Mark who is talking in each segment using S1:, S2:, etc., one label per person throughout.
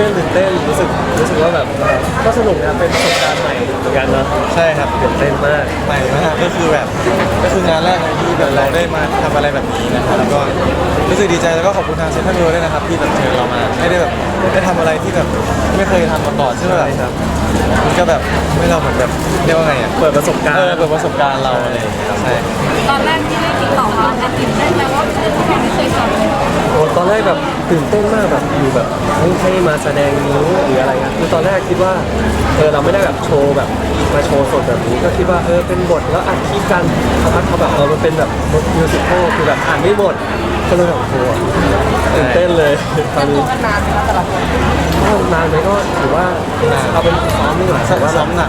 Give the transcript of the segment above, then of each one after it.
S1: ตื่นเต้นรู้สึกว่าแบบก็สนุกนะเป็นประสบการณ์ใหม่เหมือนกันเนาะ
S2: ใช่ครับ
S1: ตื่นเต้นมาก
S2: ใหม่มากก็คือแบบก็คืองานแรกที่แบบเราได้มาทำอะไรแบบนี้นะครับแล้วก็รู้สึกดีใจแล้วก็ขอบคุณทางเซ็นทรัลเวิลด์ด้วยนะครับที่แบบเชิญเรามาให้ได้แบบได้ทำอะไรที่แบบไม่เคยทำมาก่อนใช่ไหมครับมันก็แบบให้เราเหมือนแบบเรียกว่าไงอ่ะ
S1: เปิดประสบการณ์
S2: เปิดประสบการณ์เราอะไรอย่างเงี้ยใช่
S3: ตอนแรกที่ได้ติดต่อมาตื่นเต้นไหมว่าเพื่อนที่ไม่เคยสอนเลย
S1: โอ้ตอนแรกแบบตื่นเต้นมากแบบอยู่แบบให้มาแสดงนิ้วหรืออะไรเงี้ยคือตอนแรกคิดว่าเราไม่ได้แบบโชว์แบบมาโชว์สดแบบนี้ก็คิดว่าเป็นบทแล้วอัดคลิปกันสักพักเขาแบบมันเป็นแบบบทมิวสิควลคือแบบอ่านไม่หมดก็เลยแบบโอ้โหตื่นเต้นเลยตอนนี้
S3: ตัวกันนานไหมคะแต่ละคน
S1: ก็นานไหมก็ถือว่าเอาเป็นซ้อมดีกว่าแต่ว่า
S2: ซ้อมหนัก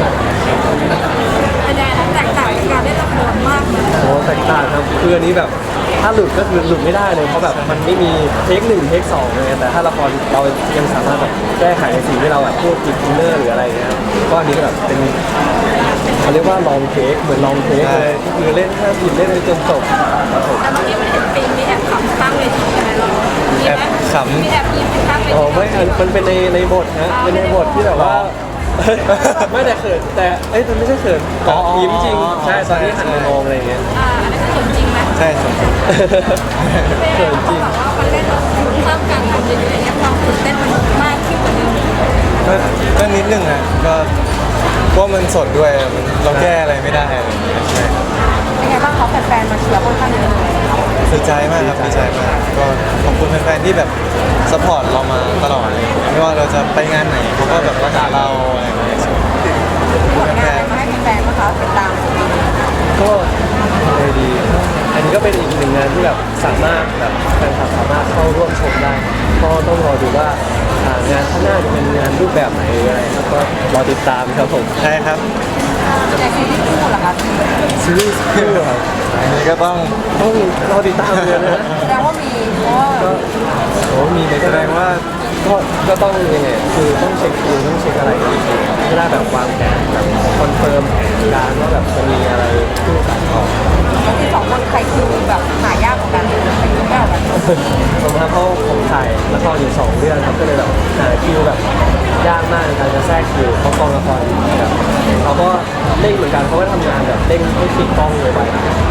S3: เป็นยังไงนะแตกต่างจากการเล่นละครมากเลย
S1: โอ้แตกต่างครับคืออันนี้แบบถ้าหลุดก็คือหลุดไม่ได้เลยเพราะแบบมันไม่มีเทค1เทค2เลยแต่ถ้าละครเรายังสามารถแบบแก้ไขในสิ่งที่เราแบบพูดผิดอินเนอร์หรืออะไรเงี้ยก็อันนี้แบบเป็นเขาเรียกว่าลองเทคเหมือนลองเทคเลยคือเล่นห้ามผิดเล่นไปจนจบครับผม
S3: แต่เมื่อกี้มันเห็นปีมีแอบขำตั้งเวทีใช่ไหมเรามีไหมมีแอบยิ้มตั้งเว
S1: อ๋อ
S3: ที
S1: ไม่มันเป็นในบทนะเป็นในบทที่แบบว่าไม่แต่เขินแต่มันไม่ใช่เขินยิ้มจริงใช่ตอนที่หันไปมองอะไรเงี้ย
S3: อันนี้คือจริงไหม
S2: ใช่ใช่
S1: เขินจริง
S3: แบบว่ามันเล่นเราเพิ่มการทำเยอะๆอย่างเงี้ยความตื่นเต้นมันมากขึ้นกว่าเดิม
S2: ก็นิดนึงอ่ะก็เพราะมันสดด้วยเราแก้อะไรไม่ได้อะไรอย่างเงี้ยใช่
S3: เป็นไงบ้างเขาแฟนๆมาเชียร์ค่อนข้างเยอะเลย
S2: ดีใจมากครับดีใจมากก็ขอบคุณแฟนๆที่แบบซัพพอร์ตเรามาตลอดเลยไม่ว่าเราจะไปงานไหนเขาก็แบบว่าด่าเราอะไรอย่างเงี้ย
S3: ผลงานอะไรมาให้แฟนๆนะคะติดตาม
S1: ก็เลยดี อันนี้ก็เป็นอีกหนึ่งงานที่แบบสามารถแบบแฟนคลับสามารถเข้าร่วมชมได้ก็ต้องรอดูว่างานข้างหน้าจะเป็นงานรูปแบบไหนหรืออะไรครับก็รอติดตามครับผม
S2: ใช่ครับ
S3: ในซีรีส์คู่เหรอคะ
S1: ซีรีส์คู่ครับ
S2: อันนี้ก็ต้อง
S1: ต้องรอติดตามเลยนะ
S3: แสดงว่ามีเพราะว่า
S1: ก็โอ้มีเลยแสดงว่าก็ต้องยังไงคือต้องเช็คคิวต้องเช็คอะไรกันอีกทีไม่ได้แบบวางแผนแบบคอนเฟิร์มแผนการว่าแบบจะมีอะไรคู่กันออก
S3: แล้วที่สองคนใครคิวแบบหายากกว่ากันใครคิวไม่เอากัน
S1: ผมทำเพราะผมถ่ายละครอยู่2 เรื่องครับก็เลยแบบหาคิวแบบยากมากในการจะแทรกคิวเพราะกองละครแบบเขาก็เร่งเหมือนกันเขาก็ทำงานแบบเร่งให้ปิดกล้องเลยไป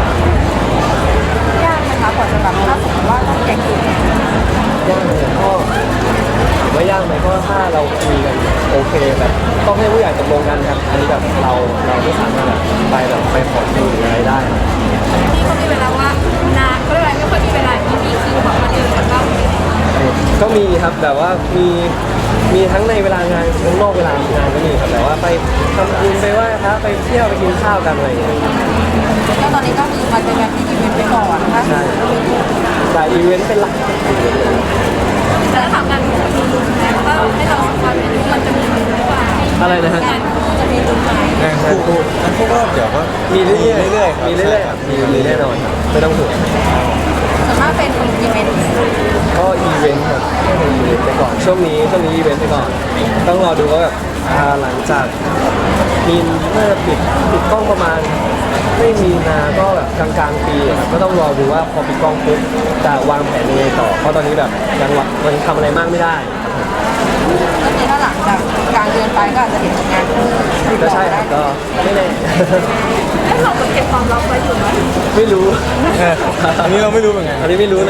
S3: ยากไหมคะกว่าจะแบบถ้าสมมติว่าต้องแข่งคิวย
S1: ากเลยก็ถามว่ายากไหมก็ถ้าเราคุยกันโอเคแบบต้องให้ผู้ใหญ่ตกลงกันครับอันนี้แบบเราไม่สามารถแบบไปขอคิวหรืออะไรได้ครับ
S3: พี่ก็มีเวลาว่างนะก็เลยไม่ค่อยมีเวลาที่มีคิวแบบมาเจอกันบ้างไหม
S1: ก็มีครับแบบว่ามีทั้งในเวลางานทั้งนอกเวลางานก็มีครับแต่ว่าไปทำบุญไปไหว้พระไปเที่ยวไปกินข้าวกันอะไรอย่างเงี้ย
S3: แล้วตอนนี้ก็คือมาเจอกันที่อีเวนต์ไปก่อนนะคะ
S1: ใช่แต่อีเวนต์เป็นหลัก
S3: แล้วถามกันจะมีลุ้นไหมว่าให้เราสองคนเป็นมันจะมีลุ้นหรือเปล่า
S1: อะไรนะฮะ
S3: งานคู่จะมีลุ้นไหม
S2: งานคู่ก็เดี๋ยวก็
S1: มีเรื่อยๆ
S2: เรื่อยๆ
S1: มีเรื่อยๆครับมีแน่นอนครับไม่ต้องห่วง
S3: ส่วนมากเป็นอีเวนต์
S1: ก็อีเวนต์ครับเป็นอีเวนต์ไปก่อนช่วงนี้อีเวนต์ไปก่อนต้องรอดูว่าแบบหลังจากมีน่าจะปิดกล้องประมาณไม่มีนาก็แบบกลางปีครับก็ต้องรอดูว่าพอปิดกล้องปุ๊บจะวางแผนยังไงต่อเพราะตอนนี้แบบยังทำอะไรมากไม่ได้
S3: ก็คือถ้าหลังจากกลางเดือนไปก็อาจจะเห็นผลงานคู่
S1: ก็ใช่ครับก็ไม่แน่
S3: ให้เราเก็บความลับไว้อยู่ไหม
S1: ไม่รู้
S2: อันนี้เราไม่รู้เหมือนกัน
S1: อันนี้ไม่รู้เลย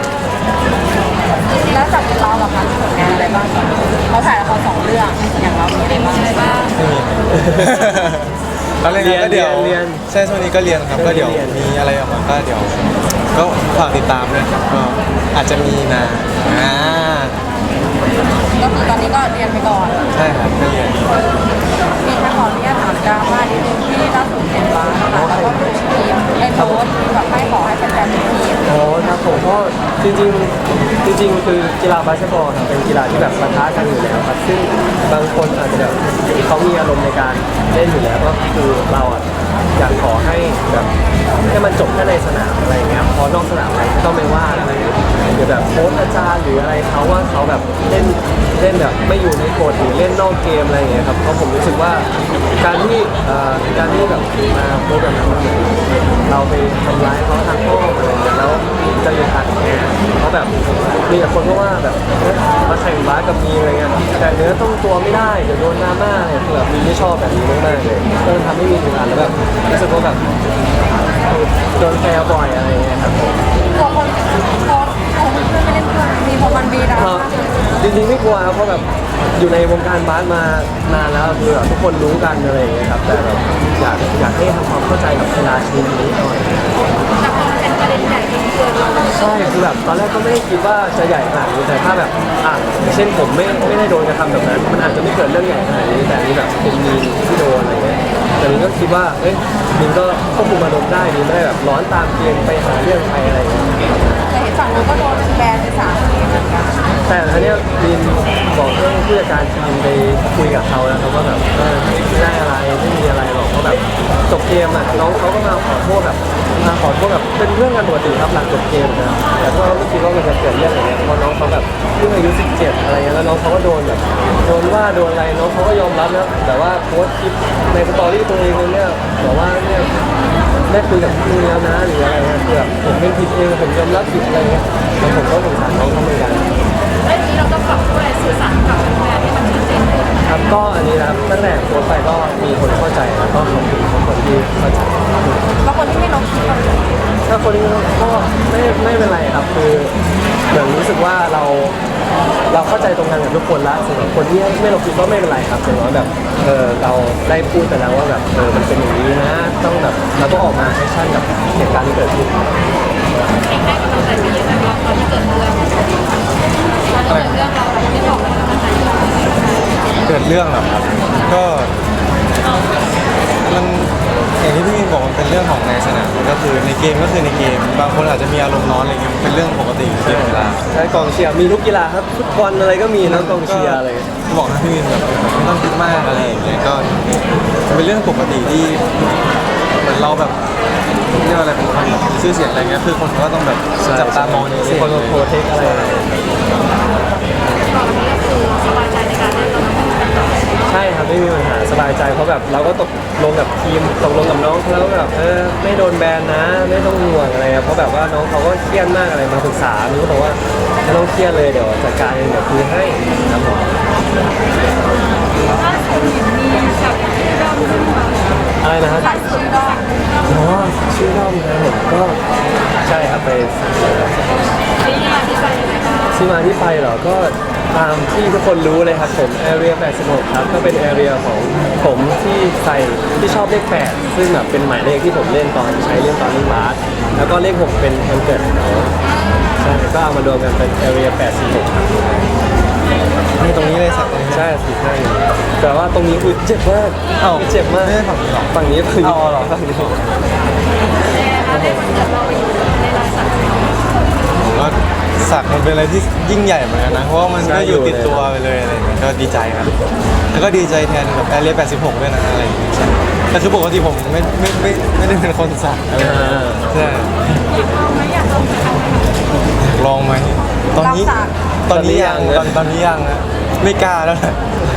S3: แล้วจากเราแบบคะมีผลงานอะไรบ้างเขาถ่ายละคร2 เรื่องอย่างเรามีอะไรบ้าง
S2: ไม่มีเราเรียนก็เดี๋ยว
S1: เรียน
S2: ใช่ช่วงนี้ก็เรียนครับก็เดี๋ยวมีอะไรออกมาก็เดี๋ยวก็ฝากติดตามด้วยครับก็อาจจะมีนะอ่า
S3: ก็คือตอนนี้ก็เรียนไปก่อน
S2: ใช่ครับก็เรียน
S3: มีแค่ขออนุญาตถามดราม่านิดนึงที่ล่าสุดเห็นว่านะคะแล้วก็ดูทีมไอ้โพสต์แบบให้ขอให้แฟนๆเป็นทีม
S1: โอ้ครับผมก็จริงคือกีฬาบาสเกตบอลครับเป็นกีฬาที่แบบปะทะกันอยู่แล้วครับซึ่งบางคนอาจจะแบบเขามีอารมณ์ในการเล่นอยู่แล้วก็คือเราอ่ะอยากขอให้แบบให้มันจบแค่ในสนามอะไรอย่างเงี้ยพอนอกสนามอะไรก็ไม่ว่าอะไรหรือแบบโค้ชอาจารย์หรืออะไรเขาว่าเขาแบบเล่นแบบไม่อยู่ในกฎหรือเล่นนอกเกมอะไรอย่างเงี้ยครับเพราะผมรู้สึกว่าการที่แบบมาโพสต์แบบนั้นมันเหมือนเราไปทำร้ายเขาทางอ้อมอะไรอย่างเงี้ยแล้วจะอึดอัดไงเพราะแบบมีแต่คนก็ว่าแบบมาแข่งบาสกับมีอะไรเงี้ยแต่เนื้อต้องตัวไม่ได้เดี๋ยวโดนดราม่าเนี่ยคือแบบมีไม่ชอบแบบนี้มากๆเลยก็ทำให้มีอึดอัดแล้วแบบรู้สึกว่าแบบโดนแซวบ่อยอะไรเงี้ยครับ
S3: ตัวคนโพสต์ของเพื่อนไม่เล่นเพื่อนมีพอมันมีดรา
S1: ครั
S3: ม่า
S1: บจริงๆไม่กลัวครับเพราะแบบอยู่ในวงการบาสมานานแล้วคือแบบทุกคนรู้กันอะไรอย่างเงี้ยครับแต่แบบอยากให้ทำความเข้าใจกับกีฬาชนิดนี้หน่อย
S3: แต่พอมันเป็นประเด็นใหญ่จนเกินเรา
S1: ใช่คือแบบตอนแรกก็ไม่ได้คิดว่าจะใหญ่ขนาดนี้แต่ถ้าแบบเช่นผมไม่ได้โดนกระทำแบบนั้นมันอาจจะไม่เกิดเรื่องใหญ่ขนาดนี้แต่อันนี้แบบเป็นมีนที่โดนอะไรเงี้ยแต่นี้ก็คิดว่าเอ้ยมีนก็ควบคุมอารมณ์ได้มีนไม่ได้แบบร้อนตามเกมไปหาเรื่องใครอะไรเงี้ย
S3: แต่เห็นฝั่งนู้นก็โดนแบนไป3 ปีเหมือนกัน
S1: แต่อันเนี้ยมีนบอกเรื่องผู้จัดการทีมไปคุยกับเขาแล้วเขาก็แบบไม่ได้อะไรไม่มีอะไรหรอกเพราะแบบจบเกมอ่ะน้องเขาก็มาขอโทษแบบเป็นเรื่องกันปกติครับหลังจบเกมนะแต่พวกเราไม่คิดว่ามันจะเกิดเรื่องอะไรเงี้ยเพราะน้องเขาแบบเพิ่งอายุ17อะไรเงี้ยแล้วน้องเขาก็โดนแบบโดนว่าโดนอะไรน้องเขาก็ยอมรับนะแต่ว่าโพสต์คลิปในสตอรี่ตัวเองเลยเนี่ยบอกว่าเนี่ยได้คุยกับพี่แล้วนะหรืออะไรเงี้ยคือแบบผมเป็นผิดเองผมยอมรับผิดอะไรเงี้ยแล้วผมก็สงสารน้องเขาเหมือนกัน
S3: ไอ้นี้เราต้องปรับตัวสื่อสารกับแบรนด์ให้มันชัดเจนขึ้น
S1: ครับก็อันนี้นะครับตั้งแต่โพสต์ไปก็มีคนเข้าใจแล้วก็ขอบคุณทุกคนที่เข้าใจ
S3: แล้วคนที่ไม่ลงคลิปเรา
S1: ถ้าคนนี้ก็ไม่เป็นไรครับคือเหมือนรู้สึกว่าเราเข้าใจตรงกันกับทุกคนละสำหรับคนที่ไม่ลงคลิปก็ไม่เป็นไรครับอย่างน้อยแบบเราได้พูดไปแล้วว่าแบบมันเป็นอย่างนี้นะต้องแบบเราต้องออกมาแอคชั่นกับเหตุการณ์ที่เกิดขึ้น
S3: เองได้กำลังใจไปเยอะนะครับตอนที่เกิดเรื่องเราไม่บอกเลยกำลังใจ
S2: เกิดเรื่องเหรอครับก็มันอย่างที่พี่มินบอกมันเป็นเรื่องของในสนามก็คือในเกมก็คือในเกมบางคนอาจจะมีอารมณ์ร้อนอะไรเงี้ยมันเป็นเรื่องปกติที่กีฬา
S1: ใช่กองเชียร์มีทุกกีฬาครับฟุตบอลอะไรก็มีนะกองเชียร์อะไร
S2: บอกนะพี่มินแบบไม่ต้องคิดมากอะไรอย่างเงี้ยก็มันเป็นเรื่องปกติที่เหมือนเราแบบเรียกว่าอะไรเป็นคนแบบมีชื่อเสียงอะไรเงี้ยคือคนก็ต้องแบบจับตามองใน
S1: มี
S2: เสียง
S1: คนมาโปรเทคอะไร
S3: ตอนนี้ก็คือสบายใจในการเล่นเรา
S1: ใช่ครับไม่มีปัญหาสบายใจเพราะแบบเราก็ตกลงกับทีมตกลงกับน้องเขาแล้วแบบไม่โดนแบนนะไม่ต้องห่วงอะไรครับเพราะแบบว่าน้องเขาก็เครียดมากอะไรมาปรึกษามีก็บอกว่าไม่ต้องเครียดเลยเดี๋ยวจัดการเองเดี๋ยวคุยให้ครับผม
S3: ถ้าสมมติมีสับชื่อด้อมขึ้นมา
S1: อะไรนะครับ
S3: ขายชื่อด้อม
S1: อ๋อชื่อด้อมนะผมก็ใช่ครับไป
S3: ที่มาที่ไปยังไงบ้าง
S1: ที่มาที่ไปเหรอก็ตามที่ทุกคนรู้เลยครับผม Area 86ครับก็เป็น Area ของผมที่ใส่ที่ชอบเลข8ซึ่งแบบเป็นหมายเลขที่ผมเล่นตอนใช้เล่นตอนเล่นบาสแล้วก็เลข6เป็นแคนเกิดของเขาใช่ก็เอามารวมกันเป็น Area 86ครับ
S2: นี่ตรงนี้เลยสักตรงนี้
S1: ใช่สิใช่แต่ว่าตรงนี้คือเจ็บมาก
S2: เอ้า
S1: เจ็บมาก
S2: ไม่ได้ฝั่งนี้หรอ
S1: ฝั่งนี้ฝั่งนี้
S2: เอาเหรอ
S1: ฝั่งนี้
S3: แล้วได้วันเกิดเราไปอยู่ในรายสัก
S2: ผมก็สักมันเป็นอะไรที่ยิ่งใหญ่เหมือนกันนะเพราะว่ามันก็อยู่ติดตัวไปเลยอะไรอย่างเงี้ยก็ดีใจครับแล้วก็ดีใจแทนแบบแอเรีย86ด้วยนะอะไรอย่างเงี้ยใช่แต่คือปกติผมไม่ได้เป็นคนสักอะไรอย่างเงี้ยใช่ ลองไหมตอนนี้ยังตอนนี้ยังนะไม่กล้าแล้วแหละ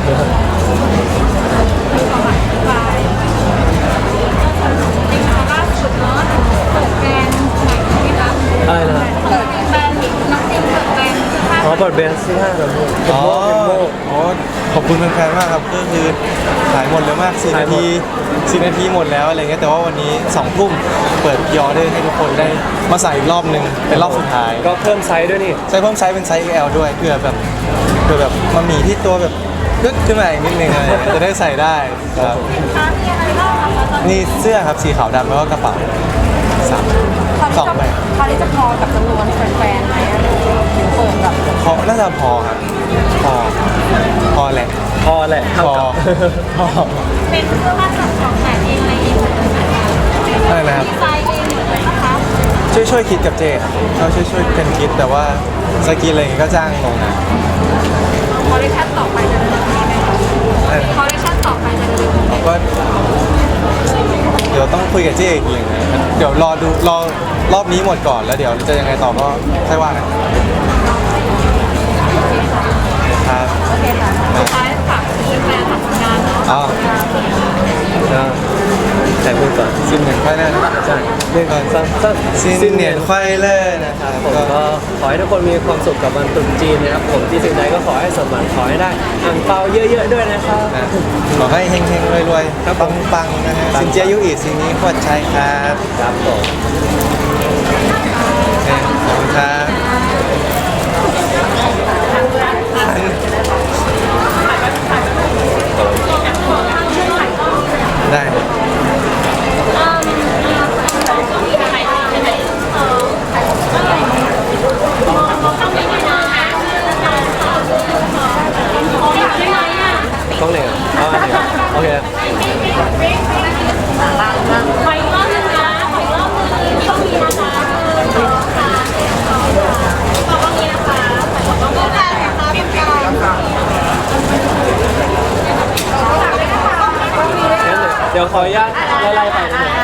S3: ล่าสุดเนาะเปิดแบรนด์ใหม่ที่ร้าน
S1: อะไรนะ
S3: เปิดแบรนด์น้องติ๊กเปิดแบรนด์เสื้อผ้า
S1: อ๋อเปิดเบนซ์ที่ห้าครับผมเป็น
S2: อ๋อ
S1: โม่
S2: อ๋อขอบคุณแฟนๆมากครับก็คือขายหมดเลยมาก4 นาที4 นาทีหมดแล้วอะไรเงี้ยแต่ว่าวันนี้2 ทุ่มเปิดยอได้ให้ทุกคนได้มาใส่อีกรอบนึงเป็นรอบสุดท้าย
S1: ก็เพิ่มไซส์ด้วยนี่
S2: ใช้เพิ่มไซส์เป็นไซส์ XL ด้วยเพื่อแบบมามีที่ตัวแบบลึกขึ้นมาอีกนิดนึงอะไรเงี้ยจะได้ใส่ได้ครับ
S3: ค้ามีอะไรบ้างคะตอนนี้
S2: นี่เสื้อครับสีขาวดำแล้วก็กระเป๋าสองใบ
S3: คราวนี้จะพอกับจำนวนแฟนๆไหมถึงเปิดแบบ
S2: พอน่าจะพอครับพอแหละ
S1: พอแหละ
S2: พ
S1: เท่า
S2: อ
S1: กับ
S2: พอ
S3: เป็นเสื้อผ้าจากของแต่เองอะไรเองหมดเลยนะคะ
S2: อะไรนะครับ
S3: ดีไซน์เองหมดเลยนะคะ
S2: ช่วยคิดกับเจครับเราช่วยกันคิดแต่ว่าสกินอะไรอย่างงี้ก็จ้างลงนะ
S3: คอลเลคชันต่อไปจะเร็วนี้ไหมคะคอลเลคชันต่อไปจะเร็วนี้ไหม
S2: เราก็เดี๋ยวต้องคุยกับเจอีกทีนึงนะเดี๋ยวรอดูรอบนี้หมดก่อนแล้วเดี๋ยวจะยังไงต่อก็ค่อยว่ากันครับ
S3: โอเคค่ะสุดท้ายฝากแฟนๆฝากผลงานเนาะ
S2: อ๋อ
S1: ก็แต่พูดก่อน
S2: 1 ค่อยได้นะ
S1: ใช่1 2
S2: ซินเนียนควายเลอร์นะครับ
S1: ผมก็ขอให้ทุกคนมีความสุขกับวันตรุษจีนนะครับผมที่สิ่งใดก็ขอให้สมหวังขอให้ได้อ่างเปาเยอะๆด้วยนะครับ
S2: ขอให้เฮงๆรวยๆปังๆนะฮะสินเจียยุอีสินนี้ขวดชัยครับ
S1: ครับผม
S2: โอเคขอบคุณครับได้
S1: ต้องเลยอ๋ออันนี้โอเค
S4: ขออีกรอบนึงนะขออีกรอบนึงช่วงนี้นะคะขอบคุณนะคะขอบคุณนะคะ
S1: งั้นเดี๋ยวขออนุญาตไล่ๆไปนะ